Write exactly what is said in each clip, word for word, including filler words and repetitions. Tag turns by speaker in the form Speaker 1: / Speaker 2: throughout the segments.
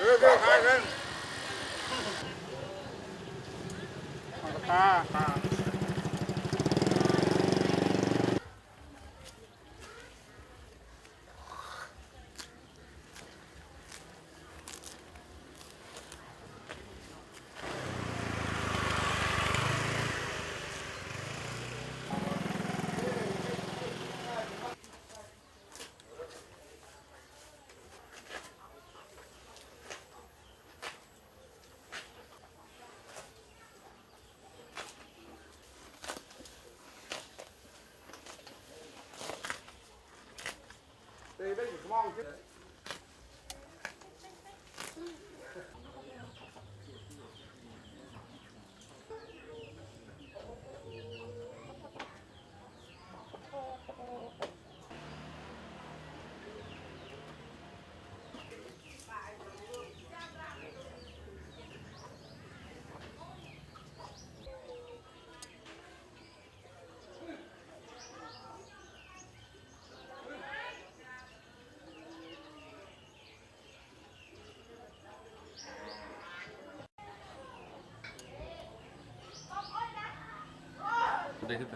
Speaker 1: อเดี๋ยวขายกันตาตาได้อยู่มองขึ้นได้ขึ้นไป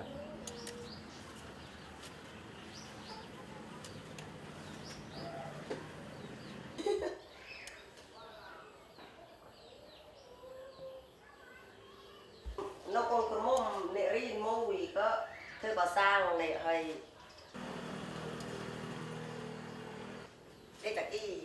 Speaker 2: nó còn có mồm nệ rin mùi có thôi bà sang này hơi đây là cái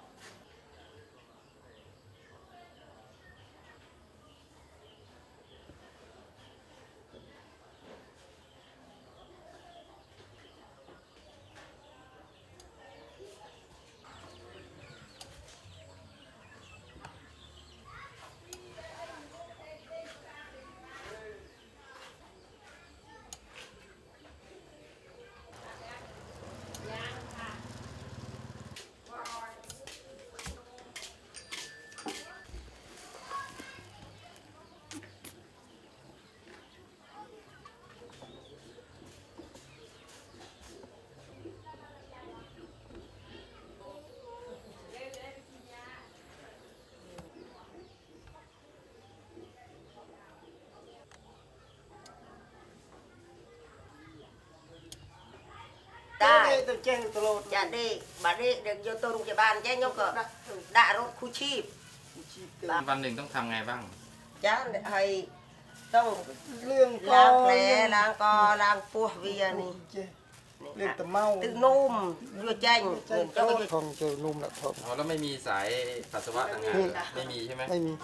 Speaker 2: ได้จะได้บัดนี้เด็กโยตัวโรงพยาบาลแจ้งยกก็ด่ารถคู่ชีพ
Speaker 1: วันหนึ่งต้องทำไงบ้าง
Speaker 2: จ้าให้ต้องเรื่องล้างแผลล้างกอล้างปวดเวียนี่
Speaker 3: เรื่องตะเมา
Speaker 2: ตึงนุ่มยัวแจ้ง
Speaker 3: เจ้าทองเจอนุ่มละทอง
Speaker 1: อ๋อแล้วไม่มีสายปัสสาวะต่างหากไม่มีใช่ไหม
Speaker 3: ไม่มี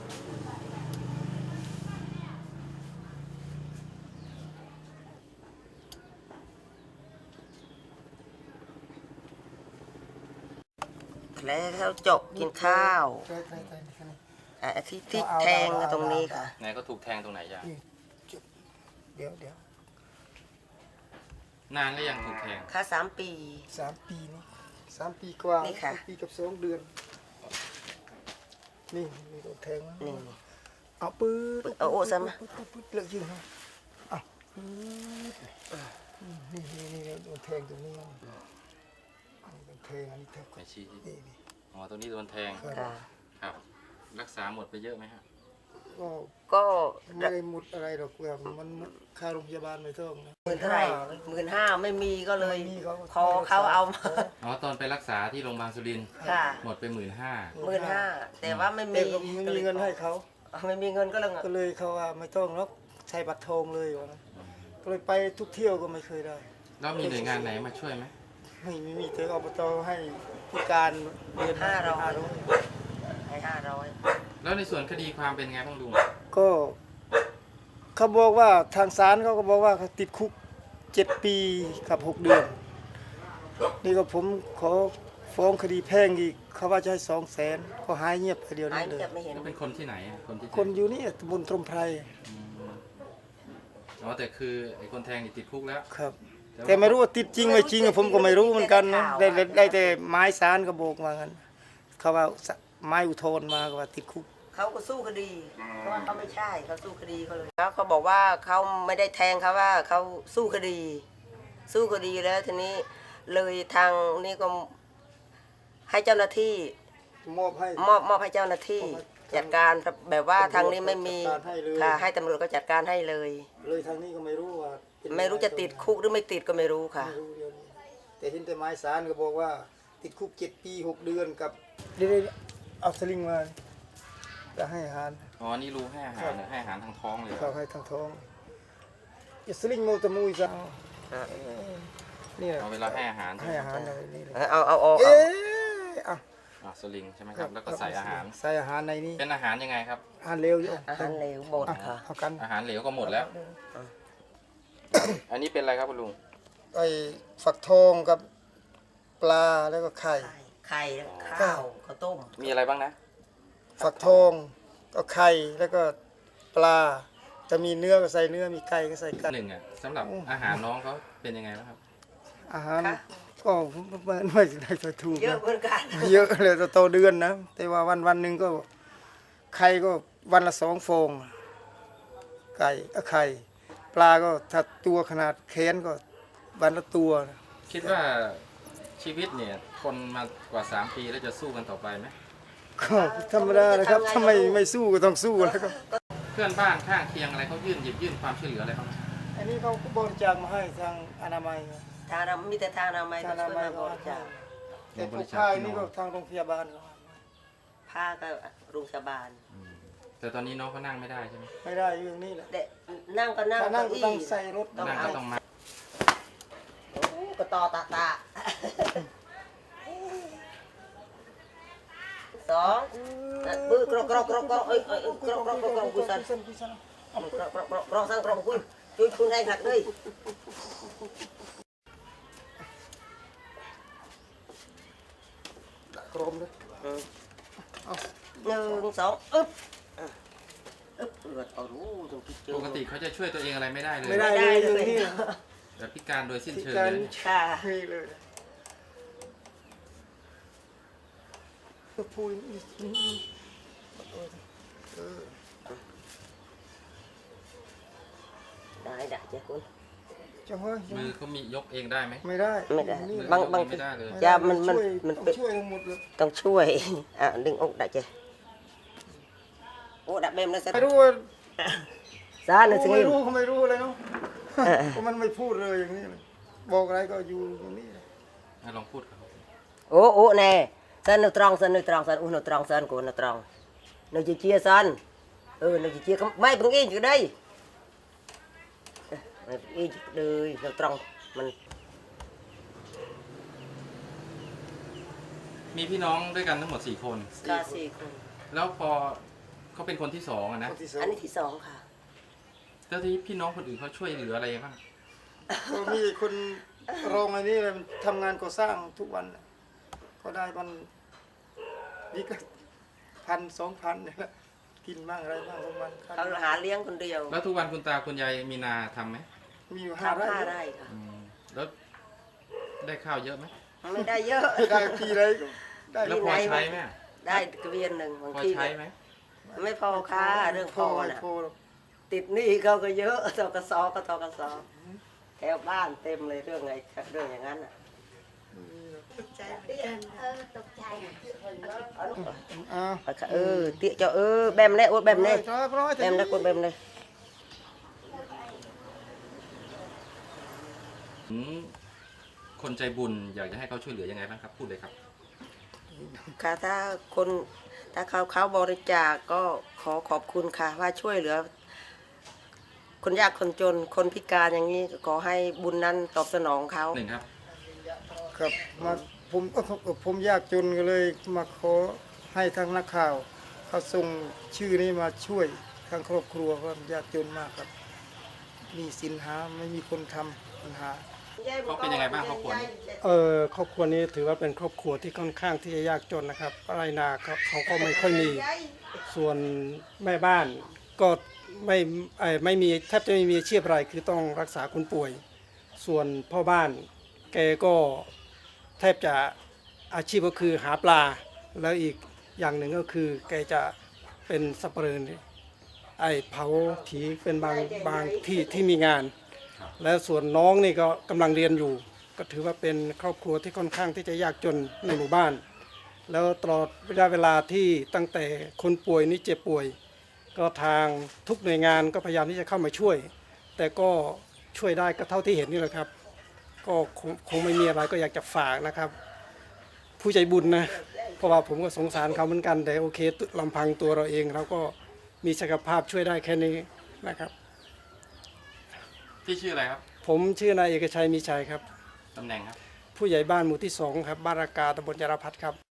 Speaker 2: แผลเขาจบกินข้าวอ่ะที่ที่แทงตรงนี้ค่ะ
Speaker 1: ไหนก็ถูกแทงตรงไหนจ้ะ
Speaker 3: เดี๋ยวเดี๋ยว
Speaker 1: นานก็ยังถูกแทง
Speaker 2: ค่าสามปี
Speaker 3: สามปีนี่สามปีกว่าสามปีกับสองเดือนนี่มีโดนแทงมั้ยนี่เอาปืน
Speaker 2: เอาโอ้ซ้ำ
Speaker 3: มาปึ๊ดเลิกยิงฮะอ้าวนี่นี่นี่โดนแทงตรงนี้โดนแทงอันนี้แทง
Speaker 1: ไม่ชี้อ๋อตรงนี้โดนแทงครับรักษาหมดไปเยอะไหมฮะ
Speaker 3: ก็
Speaker 2: ก็
Speaker 3: ไม่ได้หมดอะไรหรอกแบบมันค่าโรงพยาบาลไม่ต้องนะ
Speaker 2: หมื่นเท่าไหร่หมื่นห้าไม่มีก็เลยพอเขาเอา
Speaker 1: อ๋อตอนไปรักษาที่โรงพยาบาลสุรินทร์หมดไปหมื่นห้า
Speaker 2: หมื่นห้าแต่ว่าไม่มี
Speaker 3: ไม่มีเงินให้เขา
Speaker 2: ไม่มีเงินก็เลย
Speaker 3: ก็เลยเขาว่าไม่ต้องหรอกใช้บัตรทองเลยวะก็เลยไปทุกเที่ยวก็ไม่เคยได้
Speaker 1: แล้วมีหน่วยงานไหนมาช่วยไหม
Speaker 3: ไม่มีมีแต่อบตให้ผู้การ
Speaker 2: เดือนห้าร้อยให้ห้าร้อย
Speaker 1: แล้วในส่วนคดีความเป็นไงบ้างลุง
Speaker 3: ก็เขาบอกว่าทางศาลเขาก็บอกว่าเขาติดคุกเจ็ดปีกับหกเดือนนี่ก็ผมขอฟ้องคดีแพ่งอีกเขาว่าจะให้สองแสนเขาหายเงียบไปเดียวนี้เลย
Speaker 1: เป็นคนที่ไหนคนที่
Speaker 3: คนอยู่นี่ตำบลตรมไพร
Speaker 1: อ๋อแต่คือไอ้คนแทงนี่ติดคุกแล้ว
Speaker 3: ครับแต่ไม่รู้ว่าติดจริงไม่จริงผมก็ไม่รู้เหมือนกันนะได้ได้แต่ไม้ศาลก็บอกมากันเขาว่าไม้อุทธรณ์มาว่าติดคุก
Speaker 2: เขาก็สู้คดีเพราะว่าเขาไม่ใช่เขาสู้คดีเขาเลยแล้วเขาบอกว่าเขาไม่ได้แทงเขาว่าเขาสู้คดี สู้คดีแล้วทีนี้เลยทางนี่ก็ให้เจ้าหน้าที่
Speaker 3: มอบให้
Speaker 2: มอบมอบให้เจ้าหน้าที่จัดการแบบว่าทางนี้ไม่มี
Speaker 3: จัดการให้เลย
Speaker 2: ค่ะให้ตำรวจก็จัดการให้เลย
Speaker 3: เลยทางนี้ก็ไม่รู้ว่าเป็น
Speaker 2: ไม่รู้จะติดคุกหรือไม่ติดก็ไม่รู้ค่ะ
Speaker 3: ไม่รู้เดี๋ยวนี้แต่เห็นแต่หมายสารก็บอกว่าติดคุกเจ็ดปีหกเดือนกับเดี๋ยวๆเอาสลิงมาจะให้อาหาร
Speaker 1: อ๋อนี่รู้ให้อาหารเหรอให้อาหารทางท้องเลยเหร
Speaker 3: เขา
Speaker 1: อ
Speaker 3: ให้ทางท้องอย่าสลิงโมตะมุยซะนี่แหละ
Speaker 1: เอาเวลาให้อาหารใช่
Speaker 3: ให้
Speaker 1: ไหม
Speaker 3: อาหารอะไรนี่เลย
Speaker 2: เอาเอาเอา
Speaker 3: เอ๊
Speaker 2: เอา
Speaker 3: ะอ่ะ
Speaker 1: อ่าสลิงใช่ไหมครับแล้วก็ใส่อาหาร
Speaker 3: ใส่อาหารในนี้
Speaker 1: เป็นอาหารยังไงครับ
Speaker 3: อาหารเร็วอยู่
Speaker 2: อาหารเหลวบด
Speaker 3: อ่ะ
Speaker 2: ค่ะ
Speaker 3: เอากัน
Speaker 1: อาหารเหลวก็หมดแล้ว อันนี้เป็นอะไรครับคุณลุง
Speaker 3: ไอ้ฝักทองกับปลาแล้วก็ไข่
Speaker 2: ไข่ข้าวข้าวต้ม
Speaker 1: มีอะไรบ้างนะ
Speaker 3: ฝักทองก็ไข่แล้วก็ปลาจะมีเนื้อก็ใส่เนื้อมีไก่ก็ใส่ไก่
Speaker 1: หนึ่งอ่ะสำหรับอาหารน้องเขาเป็นยังไงบ้างครับ
Speaker 3: อาหารก็ไม่ไม่ได้ถูก
Speaker 2: เยอะ
Speaker 3: นะ
Speaker 2: เหมือนกัน
Speaker 3: เยอะเลยจะโตเดือนนะ แต่ว่าวันวันหนึ่งก็ไข่ก็วันละสองฟองไก่ก็ไข่ปลาก็ถ้าตัวขนาดแขนก็วันละตัว
Speaker 1: คิดว่าชีวิตเนี่ยทนมากว่าสามปีแล้วจะสู้กันต่อไปไหม
Speaker 3: ก็ธรรมดาเลยครับถ้าไม่ไม่สู้ก็ต้องสู้แล้วก็
Speaker 1: เพื่อนบ้านข้างเคียงอะไรเขายื่นหยิบยื่นความช่วยเหลืออะไรเขาไหม
Speaker 3: อันนี้เขาก็บริจาคมาให้ทางอนามัย
Speaker 2: ทางเรามีแต่ทางเราไม่
Speaker 3: ทาง
Speaker 2: ก็
Speaker 3: อนา
Speaker 2: ช่วย
Speaker 3: มัย
Speaker 2: มาบ
Speaker 3: ก็
Speaker 2: ริจาค
Speaker 3: แต่พวกผ้านี่ก็ทางโรงพยาบาล
Speaker 2: ผ้าก็โรงพยาบาล
Speaker 1: อืมแต่ตอนนี้น้องเขานั่งไม่ได้ใช่ไหม
Speaker 3: ไม่ได้อยู่อย่างนี้แหละ
Speaker 2: เด็กนั่งก็นั่ง
Speaker 3: ถ้านั่งก็
Speaker 2: เก้าอี้
Speaker 3: ต้องใส่รถ
Speaker 2: ต้อง
Speaker 1: นั่ง
Speaker 2: เอา
Speaker 1: ก็ต้องมา
Speaker 2: โอ้ก็ต่อตาตาสองปื้อกรอกกรอกกรอกกรอกเอ้ยเอ้ยกรอกกรอกกรอกกรอกกุศล
Speaker 3: กุศล
Speaker 2: กรอกกรอกกรอกกรอกสังกรอกคุยช่วยคุณให้หักเลย
Speaker 3: โครมเลย
Speaker 2: หนึ่งสองอึ๊บอึ๊บเลือดเอารู้ตรงที่เจอ
Speaker 1: ปกติเขาจะช่วยตัวเองอะไรไม่ได้เลย
Speaker 3: ไม่ได้เลยอย่างนี้
Speaker 1: แบบพิการโดยสิ้น
Speaker 3: พิ
Speaker 1: เชิง
Speaker 3: การ
Speaker 1: เลย
Speaker 2: ค่ะ
Speaker 3: นี่เลยพูดเออ
Speaker 2: ได้ได้เจ้าคุณ
Speaker 3: จังเฮ้ย
Speaker 1: มือเขามียกเองได้ไหม
Speaker 3: ไม่ได้
Speaker 2: ไม่ได้
Speaker 3: นี่
Speaker 2: บางบาง
Speaker 1: ไม่ได้เลย
Speaker 2: ยามันมันมัน
Speaker 3: ต้อง
Speaker 2: เป็น
Speaker 3: ช่วยทั้งหมดเลย
Speaker 2: ต้องช่วย อ่ะดึงอกได้เจ้โอ้ดับเบมนะสัก
Speaker 3: ไม่รู้ว่า
Speaker 2: ซาหนึ่งสิ
Speaker 3: ไม่
Speaker 2: ง
Speaker 3: รู้เขาไม่รู้เลยเนาะ
Speaker 2: เออ
Speaker 3: เพราะมันไม่พูดเลยอย่างนี้เลยบอกอะไรก็อยู่อย่างนี้เลย
Speaker 1: ให้ลองพูดกับเขาสิ
Speaker 2: โอ้โอ้แน่สันนึกตรองสันนึกตรองสันอุ้นกตรองสันกูนึกตรองนึกจีเจียสันเออนึกจีเจียไม่เพิ่งอินอยู่ได้ไม่เพิ่งอินเลยนึกตรองมัน
Speaker 1: มีพี่น้องด้วยกันทั้งหมดสี่คน
Speaker 2: กาสี่คน
Speaker 1: แล้วพอเขาเป็นคนที่สองอะนะ
Speaker 3: คนที่สอง
Speaker 2: อันนี้ที่สองค่ะ
Speaker 1: แล้วที่พี่น้องคนอื่นเขาช่วยเหลืออะไรบ้าง
Speaker 3: ก็มีคนรองอันนี้เลยมันทำงานก่อสร้างทุกวันน่ะก็ได้มันนี่ก็พันสองพันเนี่ยแหละกินบ้างอะไรบ้างประมาณ
Speaker 2: เขาหาเลี้ยงคนเดียว
Speaker 1: แล้วทุกวันคุณตาคุณยายมีนาทำไหม
Speaker 3: มีอยู่ห้า
Speaker 2: ทำ
Speaker 3: ไร่
Speaker 2: ห้าไร่ค่ะ
Speaker 1: อืมแล้วได้ข้าวเยอะไหม
Speaker 2: ไม่ได้เยอะ
Speaker 3: ไม่ได้ปีไรก็ได้
Speaker 1: แล้วพอใช้ไหม
Speaker 2: ได้กระเวียนหนึ่งบาง
Speaker 1: พอ
Speaker 2: ที
Speaker 1: ใช้ไหม
Speaker 2: ไม่พอค่ะเรื่องพอ
Speaker 3: ไม่
Speaker 2: น่ะ
Speaker 3: พอหรอก
Speaker 2: ติดหนี้เขาก็เยอะทกสก็ทกสแถวบ้านเต็มเลยเรื่องไงเรื่องอย่างนั้นอ่ะ
Speaker 3: อ้าว
Speaker 2: เออเตี้ยเจ้าเออแบมเน่โอ้แบมเน่
Speaker 3: ร้อยร้อย
Speaker 2: แบมเน่กดแบมเน่
Speaker 1: อืมคนใจบุญอยากจะให้เขาช่วยเหลือยังไงบ้างครับพูดเลยครับ
Speaker 2: ค่ะถ้าคนถ้าเขาเขาบริจาคก็ขอขอบคุณค่ะ ว่าช่วยเหลือ คนยากคนจนคนพิการอย่างนี้ขอให้บุญนั้นตอบสนองเขา
Speaker 1: หนึ่งครับ
Speaker 3: ครับมาผมก็ผมยากจนก็เลยมาขอให้ทางนักข่าว เขาส่งชื่อนี้มาช่วยทางครอบครัวเพราะยากจนมากครับ มีสินหาไม่มีคนทำปัญหา
Speaker 1: เขาเป็นยังไงบ้างครอบครัวนี้
Speaker 4: เออครอบครัวนี้ถือว่าเป็นครอบครัวที่ค่อนข้างที่จะยากจนนะครับไรนาเขาเขาก็ไม่ค่อยมีส่วนแม่บ้านก็ไม่เอ่อไม่มีแทบจะไม่มีอาชีพอะไรคือต้องรักษาคนป่วย ส่วนพ่อบ้านแกก็แทบจะอาชีพก็คือหาปลา แล้วอีกอย่างหนึ่งก็คือแกจะเป็นสับปะเหร่อนี่ไอเผาผีเป็นบางบางที่ที่มีงาน แล้วส่วนน้องนี่ก็กำลังเรียนอยู่ ก็ถือว่าเป็นครอบครัวที่ค่อนข้างที่จะยากจนในหมู่บ้านแล้วตลอดระยะเวลาที่ตั้งแต่คนป่วยนี่เจ็บป่วย ก็ทางทุกหน่วยงานก็พยายามที่จะเข้ามาช่วย แต่ก็ช่วยได้ก็เท่าที่เห็นนี่แหละครับ ก็คงคงไม่มีอะไรก็อยากจะฝากนะครับ ผู้ใจบุญนะเพราะว่าผมก็สงสารเขาเหมือนกันแต่โอเคลำพังตัวเราเองเราก็มีศักยภาพช่วยได้แค่นี้นะครับ
Speaker 1: ที่ชื่ออะไรครับ
Speaker 4: ผมชื่อนายเอกชัยมีชัยครับ
Speaker 1: ตำแหน่งครับ
Speaker 4: ผู้ใหญ่บ้านหมู่ที่สองครับบ้านรากาตำบลยารพัฒน์ครับ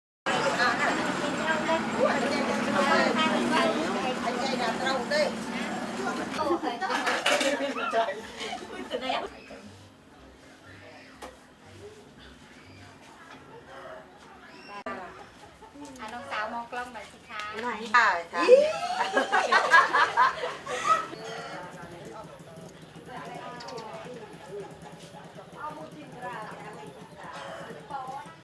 Speaker 5: อ่ะน้องสาวมองกล้องหน่อยสิคะ
Speaker 2: ได้ค่ะ